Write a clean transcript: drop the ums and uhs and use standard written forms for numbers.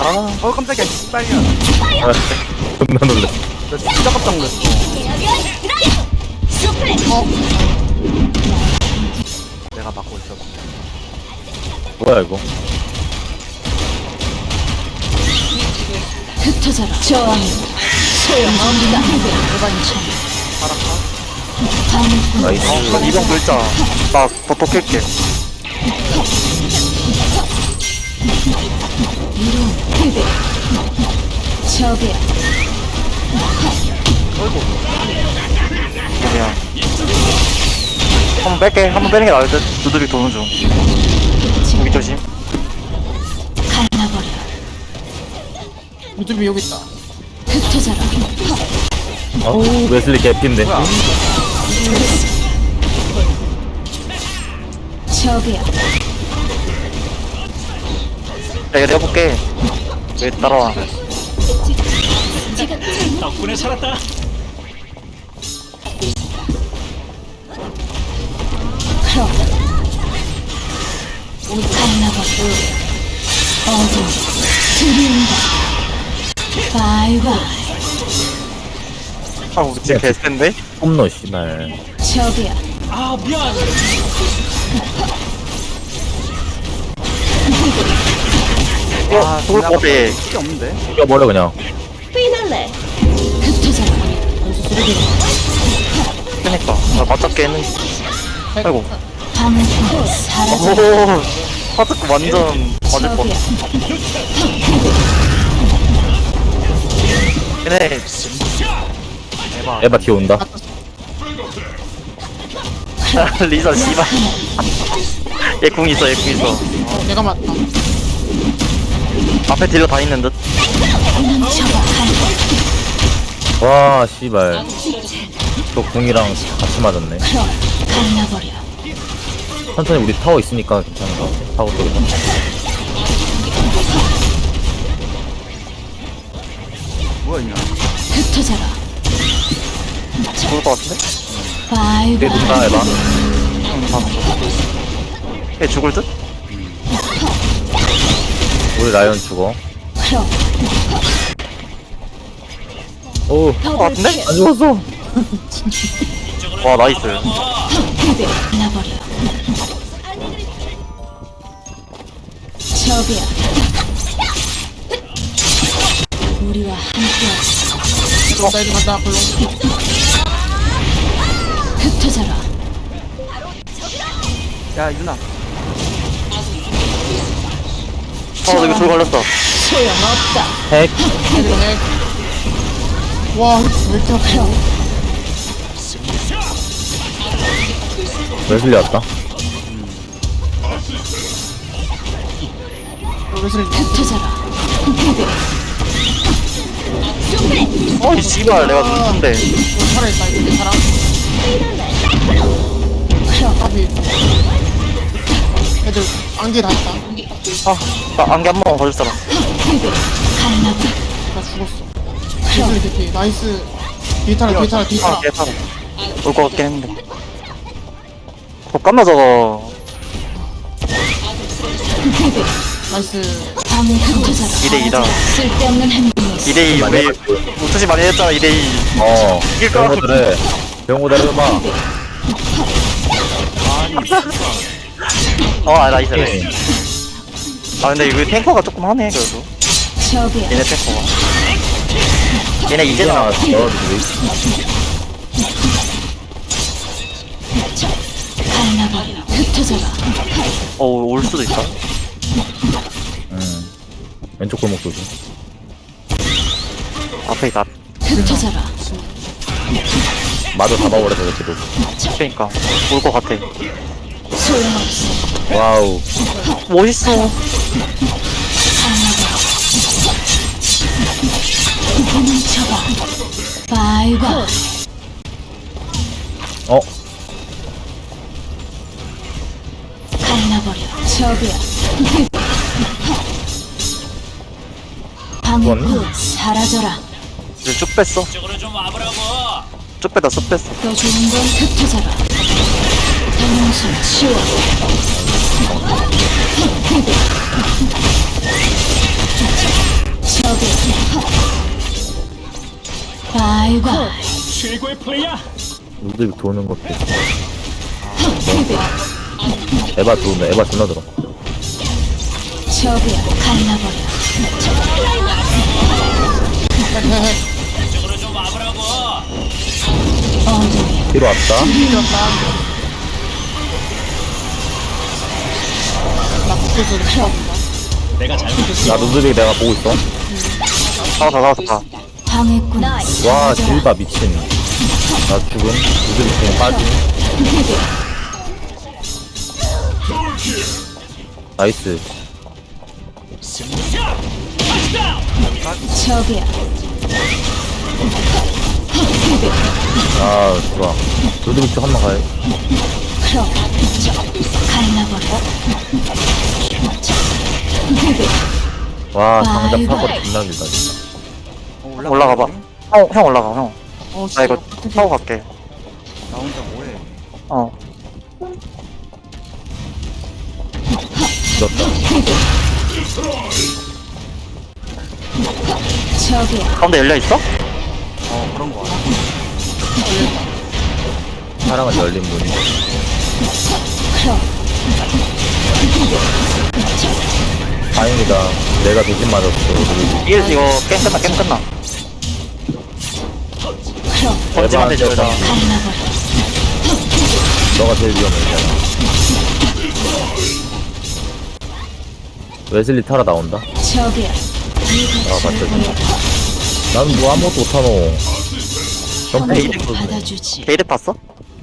깜짝이야. 씨발이야. 아, 존나 놀래. 나 진짜 깜짝 놀랐어. 내가 막고 있어. 뭐야 이거? 흩어져라. 저항. 소용없다. 나이스. 이번 글자 나 버터 깰게. 이론 패배. 적이야. 그냥 한번 뺄게. 한번 빼는 게 나을 듯. 두드리 도는 중. 무기 조심. 갈라버려. 유튜브 여기 있다. 흩어져라. 어우 웨슬리 개피인데. 적이야. 야, 이거 내가 볼게. 왜 따라와? 덕분에 살았다. 크롬. 갈라버려. 어둠. 들이운다. 바이바이. 아, 우리 진짜 개센데? 홈노 씨발. 적이야. 아 미안. 아, 속을 것 같아. 필요 없는데. 죽여버려 그냥. 흩어져라. 그니까. 나 맞잡게 했는데. 아이고. 방패 사라져. 오, 파트크 완전 맞을 뻔. 적이야. 얘네, 에바 뒤에 온다. 리사, 씨발. 얘 궁 있어, 얘 궁 있어. 내가 맞다. 앞에 딜러 다 있는 듯. 넘쳐봐. 와 씨발. 또 궁이랑 같이 맞았네. 크롬. 갈라버려. 천천히 우리 타워 있으니까 괜찮은 것 같아. 타워 쪽에서. 뭐야 이냐? 흩어져라. 죽을 것 같은데? 뒤에 바이바이. 둔다 에바. 얘 죽을 듯? 우리 라이언 죽어. 크롬. 오. 같은데? 안 죽었어. 와, 나이스. 패배. 갈라버려. 적이야. 우리와 함께하자. 나 이제 간다. 별로. 흩어져라. 야 유나. 어, 여기 돌 걸렸어. 소용없다. 핵. 애들 핵. 와, 왜 이렇게 아파? 크롬. 웨슬리 왔다. 왜 소리? 흩어져라. 패배. 이 씨발, 내가 눈뜬데. 살아있다. 이제 사람. 크롬. 까비. 애들 안개 다 있다. 아, 나 안개 한 번만 걸릴 사람. 패배. 갈라버려. 나 죽었어. 개소리 대피. 나이스. 뒤타라, 뒤타라, 아, 뒤타라. 개사람. 올 것 같긴 했는데. 깜나 저거. 패배. 나이스. 밤에 흩어져라. 2대2다. 쓸데없는 행동을 2대2, 우리 우투시 많이 했잖아, 2대2. 어. 이길 거 병호들의 병호들의 음악. 나이스, 나이스. 아, 근데 이거 탱커가 조금 하네, 그래도. 적이야. 얘네 탱커가. 얘네 이제 야, 나왔어. 너희들이. 갈라버려. 흩어져라. 올 수도 있다. 왼쪽 골목 조심. 앞에 있다. 흩어져라. 마저 잡아버려서 이렇게도. 그니까. 올 것 같아. 소용없어. 와우. 멋있어. 도망쳐봐. 바이바이. 어? 갈라버려. 적이야. 방패 사라져라. 이제 쭉 뺐어. 이쪽으로 좀 와보라고. 쭉 뺐다, 쭉 뺐어. 더 좋은 건 흩어져라. 대명수 치워. 저기야. 바이바이. 최고의 플레이야. 루드빅 도는 것도 에바 도는다. 에바 존나 들어. 저기야. 갈라버려. 이쪽으로 좀 와보라고. 어둠이야. 뒤로 왔다. 나 국교수를 쳐본다. 내가 잘못했어. 나 루드빅 내가 보고 있어. 나왔다. 당했구나. 와 딜바 미친. 나 죽은 루드빅 그냥 빠짐. 나이스. 승리야. touchdown. 저기야. 아 좋아. 루드빅 쪽 한번 가요. 그럼 갈라버려. 와 장작 사고 존나 길다 진짜. 올라가봐. 형 올라가, 형. 어, 나 이거 어떡해. 타고 갈게. 나 혼자 뭐해? 어. 늦었다. 저기야. 가운데 열려있어? 그런 거 같아. 사랑은 열린 문이. 그럼 다행이다. 내가 대신 맞았어. 루드빅. 이거 게임 끝나, 게임 끝나. 그럼 번지만 되죠, 여자. 갈라버려. 너가 제일 위험해. 웨슬리 타러 나온다. 저기야. 아 맞다. 나는 뭐 아무것도 못하노. 점프 에이, 좀 받아주지. 게이드 봤어?